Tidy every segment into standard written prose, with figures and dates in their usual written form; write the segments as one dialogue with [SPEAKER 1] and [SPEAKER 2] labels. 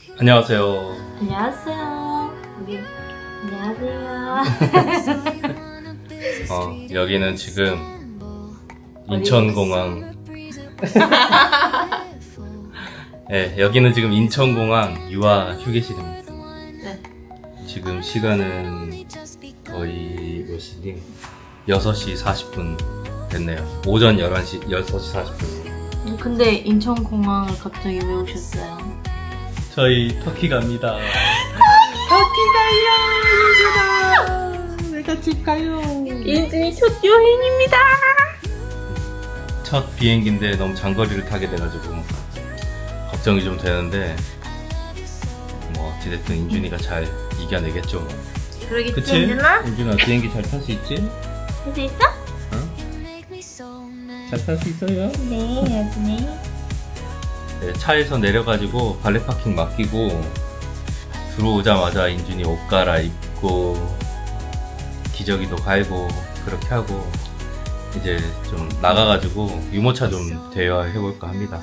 [SPEAKER 1] 안녕하세요.
[SPEAKER 2] 안녕하세요. 우리 안녕하세요.
[SPEAKER 1] 여기는 지금 인천공항. 네, 여기는 지금 인천공항 유아 휴게실입니다.
[SPEAKER 2] 네.
[SPEAKER 1] 지금 시간은 거의 몇 시니? 6시 40분 됐네요. 오전 6시 40분.
[SPEAKER 2] 근데 인천공항을 갑자기 왜 오셨어요?
[SPEAKER 1] 저희 터키 갑니다.
[SPEAKER 2] 터키 가요!
[SPEAKER 1] 내가 집 가요.
[SPEAKER 2] 인준이 첫 여행입니다.
[SPEAKER 1] 첫 비행기인데 너무 장거리를 타게 돼가지고 걱정이 좀 되는데 뭐 어찌됐든 인준이가 잘 이겨내겠죠. 뭐.
[SPEAKER 2] 그러겠지,
[SPEAKER 1] 그치?
[SPEAKER 2] 인준아?
[SPEAKER 1] 인준아 비행기 잘 탈 수 있지?
[SPEAKER 2] 할 수 있어?
[SPEAKER 1] 잘 탈 수 있어요?
[SPEAKER 2] 네, 여준이.
[SPEAKER 1] 네, 차에서 내려가지고 발레 파킹 맡기고 들어오자마자 인준이 옷 갈아입고 기저귀도 갈고 그렇게 하고 이제 좀 나가가지고 유모차 좀 대여해볼까 합니다.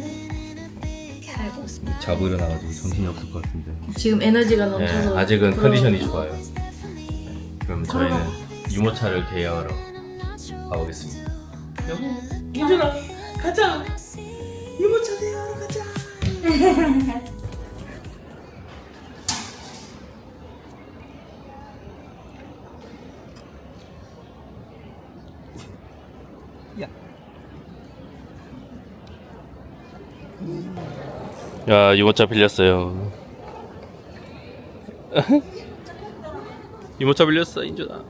[SPEAKER 1] 자고 일어나가지고 정신이 없을 것 같은데.
[SPEAKER 2] 지금 에너지가
[SPEAKER 1] 네,
[SPEAKER 2] 넘쳐서.
[SPEAKER 1] 아직은
[SPEAKER 2] 그럼-
[SPEAKER 1] 컨디션이 좋아요. 네, 그럼 저희는 유모차를 대여하러 가보겠습니다. 여보, 인준아, 가자. 유모차 대여하러 가자. 야, 유모차 빌렸어요. 유모차 빌렸어, 인준아.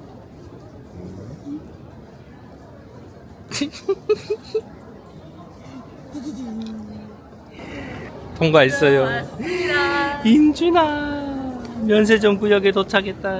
[SPEAKER 1] 통과했어요.
[SPEAKER 2] 왔습니다.
[SPEAKER 1] 인준아, 면세점 구역에 도착했다.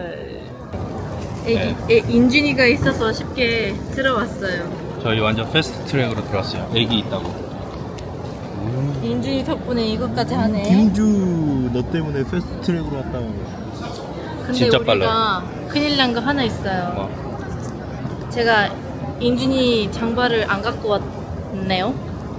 [SPEAKER 2] 인준이가 있어서 쉽게 들어왔어요.
[SPEAKER 1] 저희 완전 패스트 트랙으로 들어왔어요. 애기 있다고.
[SPEAKER 2] 인준이 덕분에 이것까지 하네.
[SPEAKER 3] 김주 너 때문에 패스트 트랙으로 왔다고.
[SPEAKER 2] 근데
[SPEAKER 1] 진짜
[SPEAKER 2] 우리가 큰일 난 거 하나 있어요.
[SPEAKER 1] 뭐,
[SPEAKER 2] 제가 인준이 장발을 안 갖고 왔네요.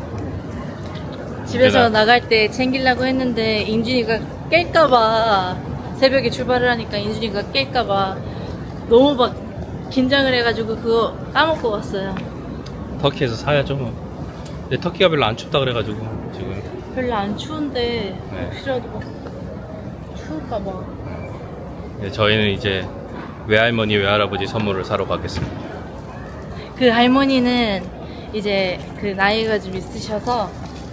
[SPEAKER 2] 집에서
[SPEAKER 1] 내가-
[SPEAKER 2] 나갈 때 챙기려고 했는데 인준이가 깰까봐 새벽에 출발을 하니까 인준이가 깰까봐 너무 막 긴장을 해가지고 그거 까먹고 왔어요.
[SPEAKER 1] 터키에서 사야죠. 뭐. 근데 터키가 별로 안 춥다 그래가지고 지금.
[SPEAKER 2] 별로 안 추운데
[SPEAKER 1] 네.
[SPEAKER 2] 혹시라도 막 추울까봐.
[SPEAKER 1] 네, 저희는 이제 외할머니 외할아버지 선물을 사러 가겠습니다.
[SPEAKER 2] 그 할머니는 이제 그 나이가 좀 있으셔서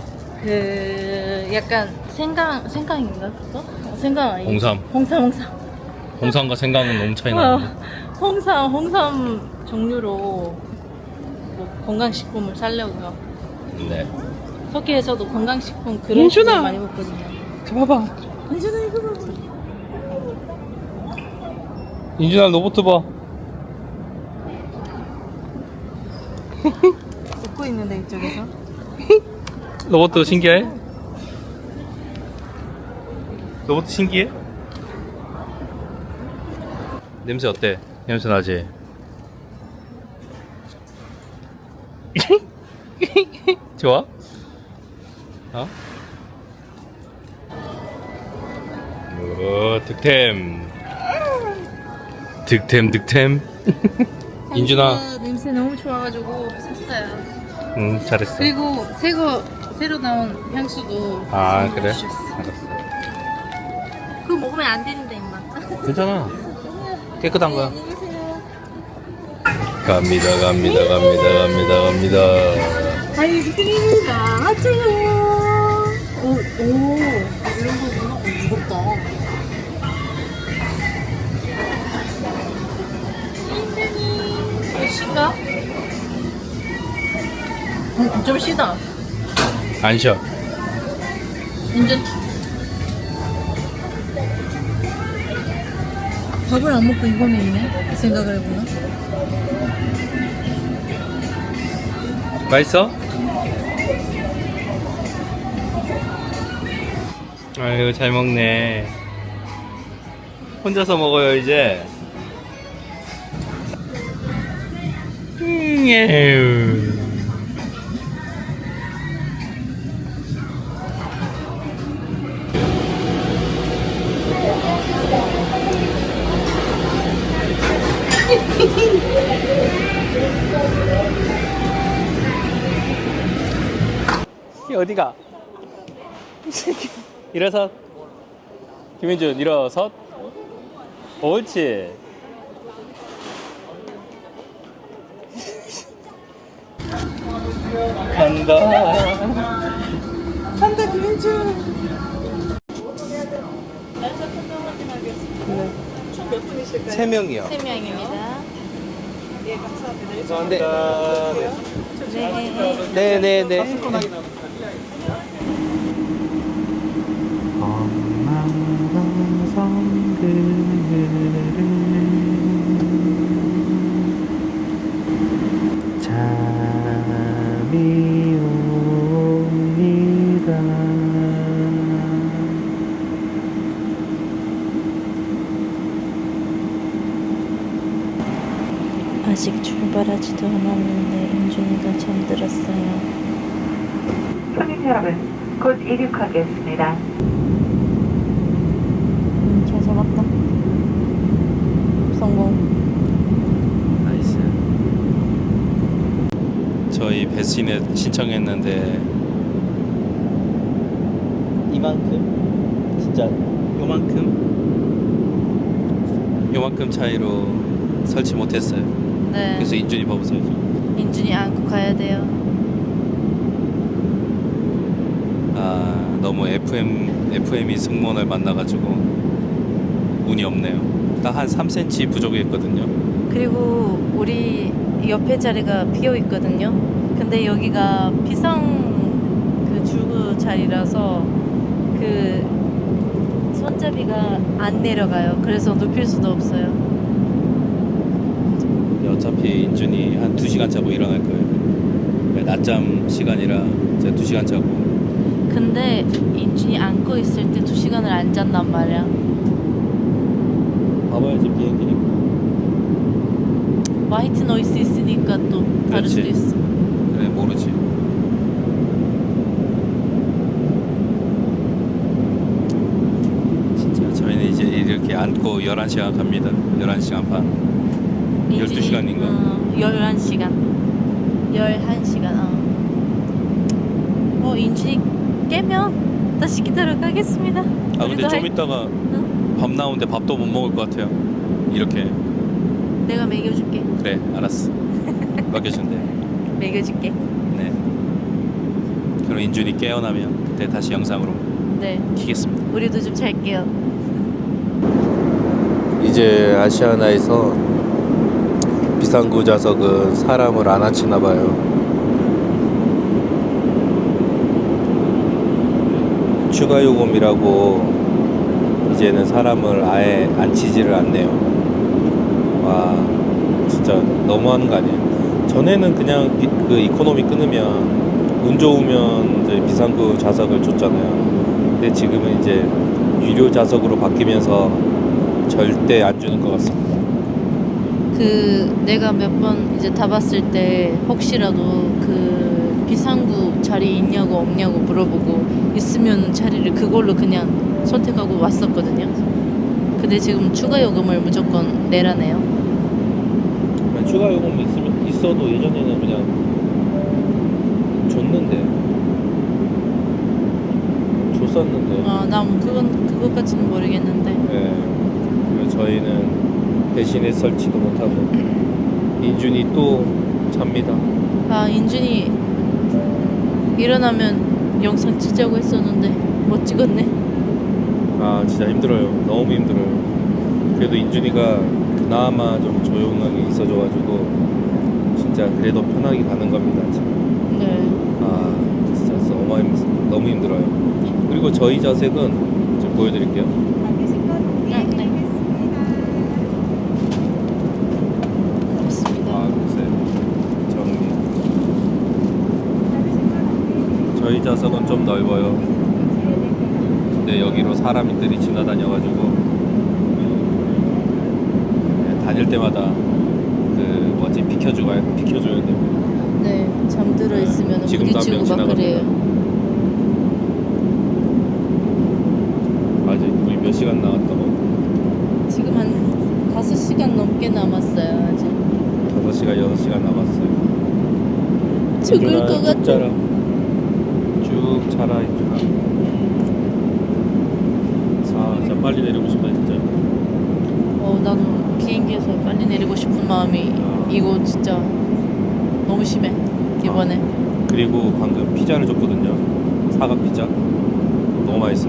[SPEAKER 2] 그 약간 생강인가 그거? 생강 아니지?
[SPEAKER 1] 홍삼.
[SPEAKER 2] 홍삼.
[SPEAKER 1] 홍삼과 생강은 너무 차이 나는데.
[SPEAKER 2] 홍삼 종류로 뭐 건강식품을 살려고요.
[SPEAKER 1] 네.
[SPEAKER 2] 터키에서도 건강식품 그런
[SPEAKER 1] 인준아!
[SPEAKER 2] 식품 많이 먹거든요.
[SPEAKER 1] 저 봐봐.
[SPEAKER 2] 인준아 이거 봐봐.
[SPEAKER 1] 인준아 로봇 봐.
[SPEAKER 2] 웃고 있는데 이쪽에서.
[SPEAKER 1] 로봇도 신기해? 로봇 신기해? 냄새 어때? 냄새 나지? 좋아? 어? 오, 득템. 득템. 인준아.
[SPEAKER 2] 냄새 너무 좋아가지고 샀어요.
[SPEAKER 1] 응, 잘했어.
[SPEAKER 2] 그리고 새로 나온 향수도
[SPEAKER 1] 아, 그래?
[SPEAKER 2] 주셨어.
[SPEAKER 1] 알았어.
[SPEAKER 2] 그거 먹으면 안 되는데 임마.
[SPEAKER 1] 괜찮아. 깨끗한 거야.
[SPEAKER 2] 안녕히 계세요.
[SPEAKER 1] 갑니다.
[SPEAKER 2] 아이스크림이다. 하세요. 오, 이런 거구나. 무겁다. 몇 시인가? 좀 쉬다.
[SPEAKER 1] 안 쉬어.
[SPEAKER 2] 인전 밥을 안 먹고 이거 먹네? 이 생각을 해보나?
[SPEAKER 1] 맛있어? 아유, 잘 먹네. 혼자서 먹어요, 이제. 에휴. 어디가? 일어서. 김민준 일어서. 옳지. 간다. 간다 김민준.
[SPEAKER 2] 날짜 편도 확인하겠습니다. 총 몇 분이실까요?
[SPEAKER 4] 3명이요.
[SPEAKER 2] 3명입니다.
[SPEAKER 4] 네.
[SPEAKER 2] 네.
[SPEAKER 4] 네네네. 잠이 옵니다.
[SPEAKER 2] 아직 출발하지도 않았는데 인준이가 잠들었어요.
[SPEAKER 5] 손님 여러분, 곧 이륙하겠습니다.
[SPEAKER 2] 잘 잡았다. 성공.
[SPEAKER 1] 나이스. 저희 배신에 신청했는데
[SPEAKER 4] 이만큼? 진짜
[SPEAKER 1] 요만큼 차이로 설치 못했어요.
[SPEAKER 2] 네.
[SPEAKER 1] 그래서 인준이 봐보세요.
[SPEAKER 2] 인준이 안고 가야 돼요.
[SPEAKER 1] 아 너무 FM이 승무원을 만나가지고 운이 없네요. 딱 한 3cm 부족했거든요.
[SPEAKER 2] 그리고 우리 옆에 자리가 비어 있거든요. 근데 여기가 비상 그 출구 자리라서 그 손잡이가 안 내려가요. 그래서 눕힐 수도 없어요.
[SPEAKER 1] 어차피 인준이 한 2시간 자고 일어날 거예요. 낮잠 시간이라 제가 2시간 자고.
[SPEAKER 2] 근데 인준이 안고 있을 때 2시간을 안 잤단 말이야.
[SPEAKER 1] 봐봐야지 비행기니까.
[SPEAKER 2] 화이트 노이스 있으니까 또 다를
[SPEAKER 1] 그렇지.
[SPEAKER 2] 수도 있어.
[SPEAKER 1] 그래 모르지. 진짜 저희는 이제 이렇게 앉고 11시간 갑니다. 11시간 반. 12시간인가?
[SPEAKER 2] 11시간. 11시간. 인준이 깨면 다시 기다려 가겠습니다.
[SPEAKER 1] 아 근데 좀 이따가
[SPEAKER 2] 응?
[SPEAKER 1] 밥 나오는데 밥도 못 먹을 것 같아요. 이렇게.
[SPEAKER 2] 내가 먹여줄게.
[SPEAKER 1] 그래 알았어. 맡겨준대.
[SPEAKER 2] 먹여줄게.
[SPEAKER 1] 네. 그럼 인준이 깨어나면 그때 다시 영상으로
[SPEAKER 2] 네.
[SPEAKER 1] 키겠습니다.
[SPEAKER 2] 우리도 좀 잘게요.
[SPEAKER 4] 이제 아시아나에서 비상구 좌석은 사람을 안 앉히나 봐요. 추가 요금이라고 이제는 사람을 아예 앉히지를 않네요. 와 진짜 너무하는 거 아니에요? 전에는 그냥 그 이코노미 끊으면 운 좋으면 이제 비상구 좌석을 줬잖아요. 근데 지금은 이제 유료 좌석으로 바뀌면서 절대 안 주는 것 같습니다.
[SPEAKER 2] 내가 몇 번 이제 타봤을 때 혹시라도 그 비상구 자리 있냐고 없냐고 물어보고 있으면 자리를 그걸로 그냥 선택하고 왔었거든요. 근데 지금 추가 요금을 무조건 내라네요.
[SPEAKER 4] 추가 요금 있어도 예전에는 그냥 줬었는데.
[SPEAKER 2] 난 그것까지는 모르겠는데.
[SPEAKER 4] 네. 그리고 저희는 대신에 설치도 못하고 인준이 또 잡니다.
[SPEAKER 2] 인준이 일어나면 영상 찍자고 했었는데 못 찍었네.
[SPEAKER 4] 아 진짜 힘들어요. 너무 힘들어요. 그래도 인준이가 그나마 좀 조용하게 있어줘가지고 진짜 그래도 편하게 가는 겁니다. 지금.
[SPEAKER 2] 네.
[SPEAKER 4] 아 진짜 너무 힘들어요. 그리고 저희 좌석은 지금 보여드릴게요. 아 글쎄 정리. 저희 좌석은 좀 넓어요. 근데 여기로 사람들이 지나다녀가지고 다닐 때마다 비켜줘야 돼요.
[SPEAKER 2] 네. 잠들어 있으면
[SPEAKER 4] 지금도 한
[SPEAKER 2] 부딪히고
[SPEAKER 4] 명
[SPEAKER 2] 막
[SPEAKER 4] 지나갑니다.
[SPEAKER 2] 그래요.
[SPEAKER 4] 아직 우리 몇 시간 나왔다고?
[SPEAKER 2] 지금 한 5시간 넘게 남았어요. 아직.
[SPEAKER 4] 5시간, 6시간 남았어요.
[SPEAKER 2] 죽을 것 같아.
[SPEAKER 4] 쭉 차라 인준아. 진짜 빨리 내리고 싶다 진짜.
[SPEAKER 2] 나도 비행기에서 빨리 내리고 싶은 마음이 이거 진짜 너무 심해 이번에.
[SPEAKER 4] 그리고 방금 피자를 줬거든요. 사각 피자. 너무 맛있어요.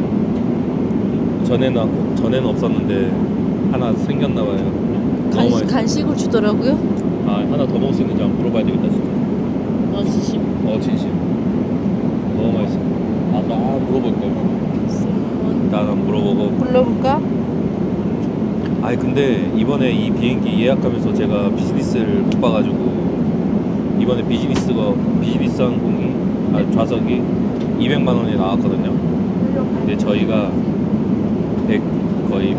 [SPEAKER 4] 전에는 없었는데 하나 생겼나 봐요. 너무 맛있어.
[SPEAKER 2] 간식을 주더라고요.
[SPEAKER 4] 아, 하나 더 먹을 수 있는지 한번 물어봐야 되겠다 진짜.
[SPEAKER 2] 진심.
[SPEAKER 4] 진심. 너무 맛있어. 아까 물어볼 걸. 일단 한번 물어보고.
[SPEAKER 2] 불러볼까?
[SPEAKER 4] 아니 근데 이번에 이 비행기 예약하면서 제가 비즈니스를 못 봐가지고 이번에 비즈니스 항공이 좌석이 200만 원이 나왔거든요. 근데 저희가 거의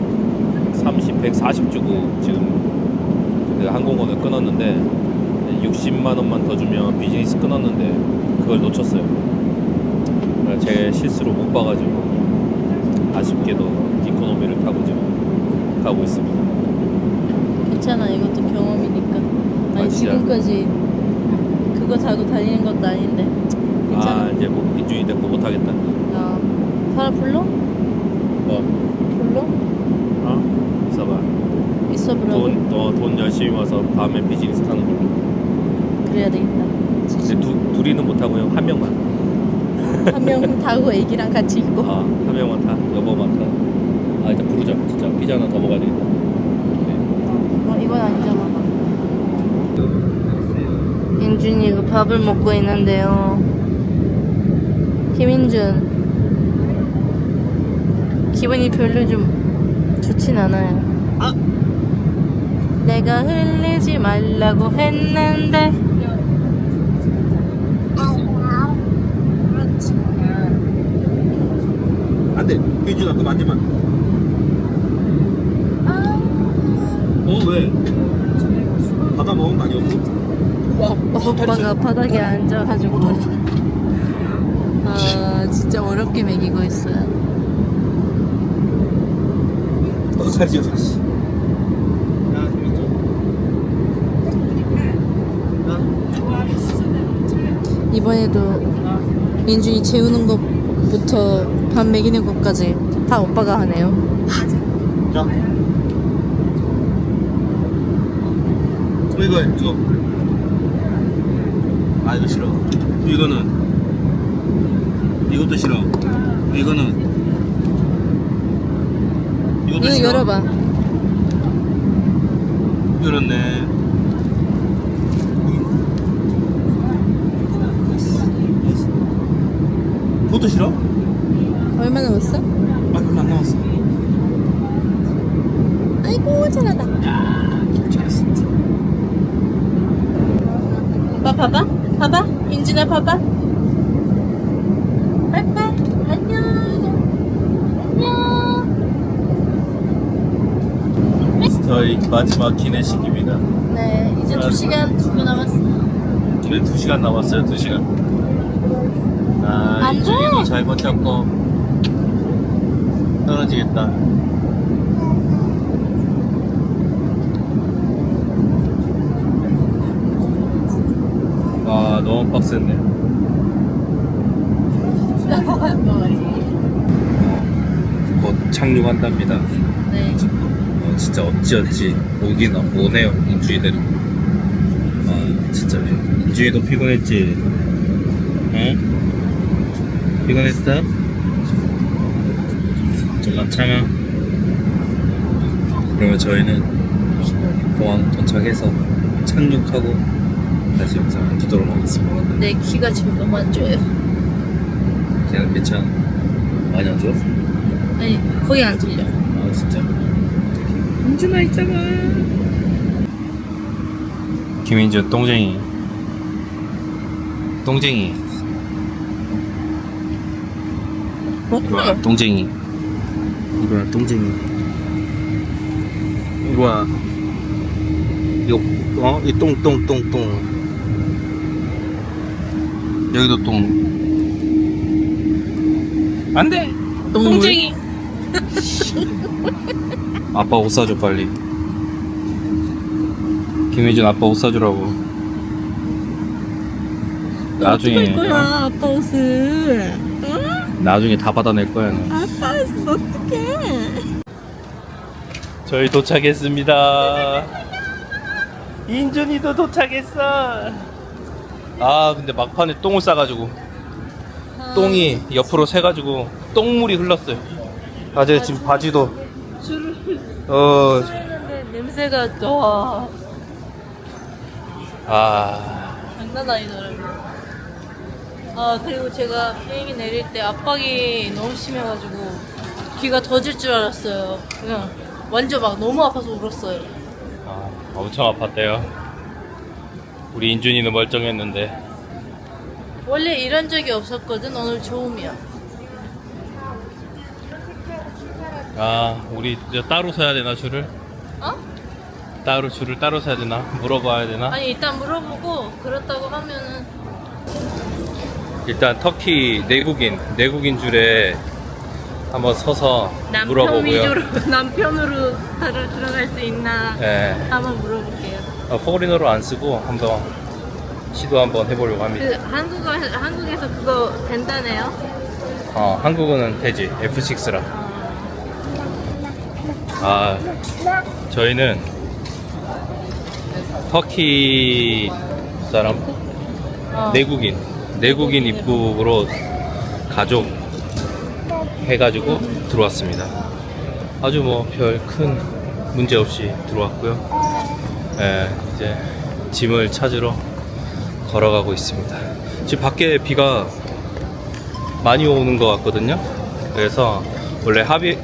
[SPEAKER 4] 140 주고 지금 그 항공권을 끊었는데 60만 원만 더 주면 비즈니스 끊었는데 그걸 놓쳤어요. 그래서 제 실수로 못 봐가지고 아쉽게도 이코노미를 타고 지금 가고 있습니다.
[SPEAKER 2] 괜찮아, 이것도 경험이니까. 아니
[SPEAKER 4] 진짜?
[SPEAKER 2] 지금까지 그거 타고 다니는 것도 아닌데 괜찮아.
[SPEAKER 4] 이제 뭐 인준이 됐고 못하겠다.
[SPEAKER 2] 사람 불러?
[SPEAKER 4] 뭐?
[SPEAKER 2] 불러?
[SPEAKER 4] 있어봐.
[SPEAKER 2] 있어 보라고?
[SPEAKER 4] 돈 열심히 모아서 다음에 비즈니스 타는 걸로.
[SPEAKER 2] 그래야 되겠다.
[SPEAKER 4] 근데 둘이는 못 타고요. 한 명만.
[SPEAKER 2] 한 명 타고 애기랑 같이 있고.
[SPEAKER 4] 한 명만 타. 여보만 타. 일단 부르자. 진짜 피자 하나 더 먹어야 되겠다.
[SPEAKER 2] 이건 아니잖아. 인준이가 밥을 먹고 있는데요. 김인준 기분이 별로 좀 좋진 않아요. 내가 흘리지 말라고 했는데.
[SPEAKER 3] 안돼 유준아 그거 만지마. 왜? 바다 먹은 거 아니었어?
[SPEAKER 2] 오빠가 바닥에 앉아가지고 진짜 어렵게 먹이고 있어요.
[SPEAKER 3] 너도 잘 지었어.
[SPEAKER 2] 이번에도 인준이 재우는 것부터 밥 먹이는 것까지 다 오빠가 하네요.
[SPEAKER 3] 자. 이거 이거 싫어. 이거는 이것도 싫어. 이거는 이것도
[SPEAKER 2] 이거
[SPEAKER 3] 싫어.
[SPEAKER 2] 열어봐.
[SPEAKER 3] 그렇네. 그것도 싫어?
[SPEAKER 2] 얼마 남았어?
[SPEAKER 3] 별로 안 남았어.
[SPEAKER 2] 아이고 잘한다.
[SPEAKER 3] 잘했어.
[SPEAKER 2] 오빠 봐봐. 인준아 봐봐. 빠이빠이. 안녕.
[SPEAKER 1] 저희 마지막 기내식입니다.
[SPEAKER 2] 네, 이제 2시간 정도 남았어.
[SPEAKER 1] 이제 2시간 남았어요. 2시간.
[SPEAKER 2] 안 돼.
[SPEAKER 1] 인준이도 잘못 잡고 떨어지겠다. 너무 빡셌네. 곧 착륙한답니다.
[SPEAKER 2] 네.
[SPEAKER 1] 진짜 어찌 오긴 오네요. 인주이대로. 진짜 인주이도 피곤했지. 응? 피곤했어? 좀만 참아. 그러면 저희는 공항 도착해서 착륙하고 다시 영상을 찍도록 하겠습니다.
[SPEAKER 2] 내 귀가 지금 너무 안 좋아요.
[SPEAKER 1] 걔는 괜찮아? 많이 안 좋아?
[SPEAKER 2] 아니, 거의 안 들려.
[SPEAKER 1] 진짜? 인준아 있잖아. 김인준 똥쟁이. 이리 와, 똥쟁이. 이리 와, 똥쟁이. 이리 와. 이거 이 똥. 여기도 똥. 안 돼! 똥쟁이! 아빠 옷 사줘, 빨리. 김혜준 아빠 옷 사주라고. 나중에
[SPEAKER 2] 거야 아빠 옷을.
[SPEAKER 1] 나중에 다 받아낼 거야. 너.
[SPEAKER 2] 아빠 옷 어떡해?
[SPEAKER 1] 저희 도착했습니다. 인준이도 도착했어. 아 근데 막판에 똥을 싸가지고 똥이 옆으로 새가지고 똥물이 흘렀어요. 아 제가 지금 바지도
[SPEAKER 2] 줄을 했는데 냄새가 와
[SPEAKER 1] 아
[SPEAKER 2] 장난 아니더라고요. 아 그리고 제가 비행기 내릴 때 압박이 너무 심해가지고 귀가 터질 줄 알았어요. 그냥 완전 막 너무 아파서 울었어요.
[SPEAKER 1] 엄청 아팠대요. 우리 인준이는 멀쩡했는데.
[SPEAKER 2] 원래 이런 적이 없었거든. 오늘 처음이야.
[SPEAKER 1] 아 우리 이제 따로 서야 되나 줄을?
[SPEAKER 2] 어?
[SPEAKER 1] 따로 줄을 따로 서야 되나? 물어봐야 되나?
[SPEAKER 2] 아니 일단 물어보고 그렇다고 하면은
[SPEAKER 1] 일단 터키 내국인 줄에 한번 서서 물어보고요.
[SPEAKER 2] 남편으로 들어갈 수 있나
[SPEAKER 1] 예.
[SPEAKER 2] 한번 물어볼게요.
[SPEAKER 1] 포리너로 안 쓰고 한번 시도 한번 해보려고 합니다.
[SPEAKER 2] 그 한국에서 그거 된다네요.
[SPEAKER 1] 한국어는 되지. F6라. 아 저희는 터키 사람 내국인 입국으로 가족 해가지고 들어왔습니다. 아주 뭐 별 큰 문제 없이 들어왔고요. 이제 짐을 찾으러 걸어가고 있습니다. 지금 밖에 비가 많이 오는 것 같거든요. 그래서 원래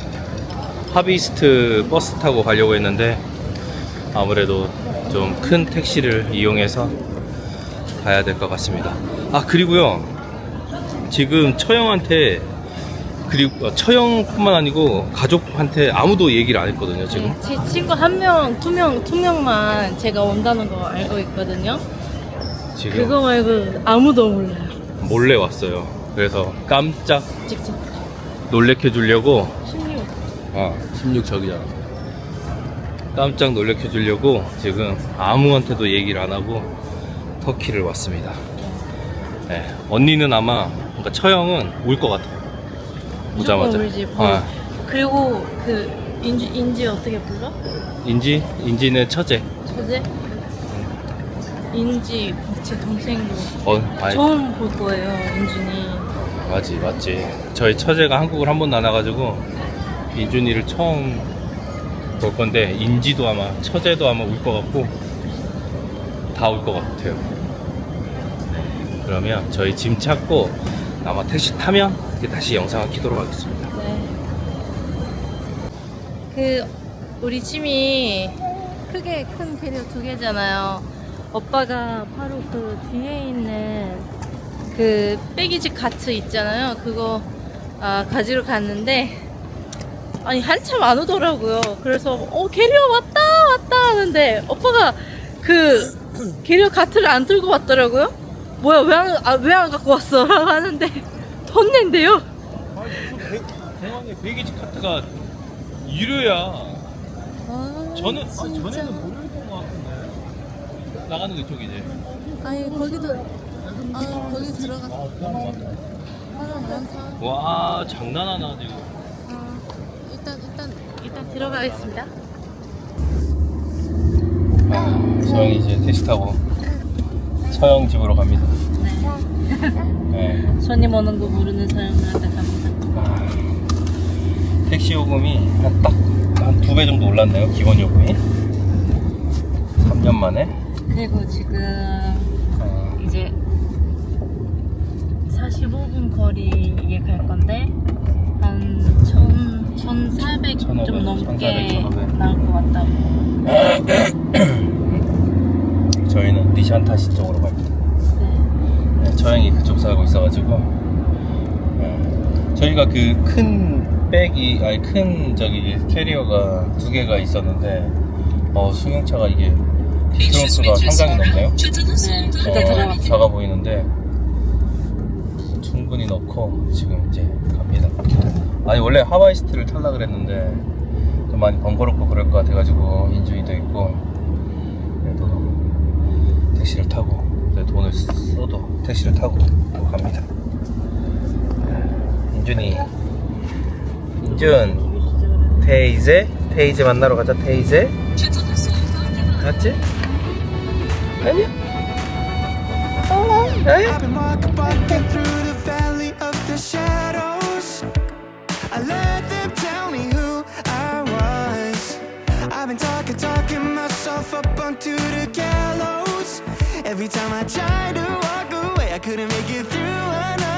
[SPEAKER 1] 하비스트 버스 타고 가려고 했는데 아무래도 좀 큰 택시를 이용해서 가야 될 것 같습니다. 아 그리고요 지금 처형한테 그리고 처형뿐만 아니고 가족한테 아무도 얘기를 안 했거든요 지금.
[SPEAKER 2] 제 친구 한 명, 두 명만 제가 온다는 거 알고 있거든요.
[SPEAKER 1] 지금
[SPEAKER 2] 그거 말고 아무도 몰라요.
[SPEAKER 1] 몰래 왔어요. 그래서 깜짝
[SPEAKER 2] 직접
[SPEAKER 1] 놀래켜 주려고
[SPEAKER 2] 16.
[SPEAKER 1] 16 저기잖아. 깜짝 놀래켜 주려고 지금 아무한테도 얘기를 안 하고 터키를 왔습니다. 네, 언니는 아마 그러니까 처형은 올 것 같아요. 오자마자.
[SPEAKER 2] 울지.
[SPEAKER 1] 아,
[SPEAKER 2] 그리고 그 인지 어떻게 불러?
[SPEAKER 1] 인지는 처제.
[SPEAKER 2] 처제? 인지 제 동생도
[SPEAKER 1] 아니,
[SPEAKER 2] 처음 볼 거예요. 인준이.
[SPEAKER 1] 맞지. 저희 처제가 한국을 한 번도 안 와가지고 인준이를 처음 볼 건데 인지도 아마 처제도 아마 올 것 같고 다 올 것 같아요. 그러면 저희 짐 찾고 아마 택시 타면 다시 영상을 켜도록 하겠습니다.
[SPEAKER 2] 네. 그 우리 짐이 크게 큰 캐리어 2개잖아요. 오빠가 바로 그 뒤에 있는 그 빼기지 카트 있잖아요. 그거 가지러 갔는데 아니 한참 안 오더라고요. 그래서 캐리어 왔다 하는데 오빠가 그 캐리어 카트를 안 들고 왔더라고요. 뭐야 왜 안 갖고 왔어? 하는데 돈 낸대요.
[SPEAKER 1] 공항에 베이지 카트가 유료야. 전에는 무료였던 것 같은데 나가는 게 이쪽이지.
[SPEAKER 2] 아니 거기 들어가. 많다.
[SPEAKER 1] 와 장난하나 지금.
[SPEAKER 2] 일단 들어가겠습니다.
[SPEAKER 1] 서영이 이제 택시 타고 서영 집으로 갑니다. 네.
[SPEAKER 2] 손님 오는 거 모르는 사람들한테 갑니다.
[SPEAKER 1] 택시 요금이 한 2배 정도 올랐네요. 기본 요금이 3년 만에.
[SPEAKER 2] 그리고 지금 이제 45분 거리에 갈 건데 한 1,400
[SPEAKER 1] 1500,
[SPEAKER 2] 좀 넘게
[SPEAKER 1] 1500.
[SPEAKER 2] 나올 것 같다고.
[SPEAKER 1] 저희는 니샨타시 쪽으로 갑니다. 네, 처형이 그쪽 살고 있어가지고 저희가 그 큰 백이 큰 캐리어가 2개가 있었는데 승용차가 이게 트렁크가 상당히 넓네요.
[SPEAKER 2] 네, 일단 들어갑니다.
[SPEAKER 1] 작아 보이는데 충분히 넣고 지금 이제 갑니다. 아니 원래 하와이스트를 타려고 그랬는데 좀 많이 번거롭고 그럴 것 같아가지고 인준이도 있고 그래도 택시를 타고 아무리 돈을 써도 택시를 타고 갑니다. 인준 테이제 만나러 가자. 테이제 맞지? 아니야?
[SPEAKER 6] I've been walking through the valley of the shadows. I let them tell me who I was. I've been talking myself up onto the gallows. Every time I tried to walk away, I couldn't make it through another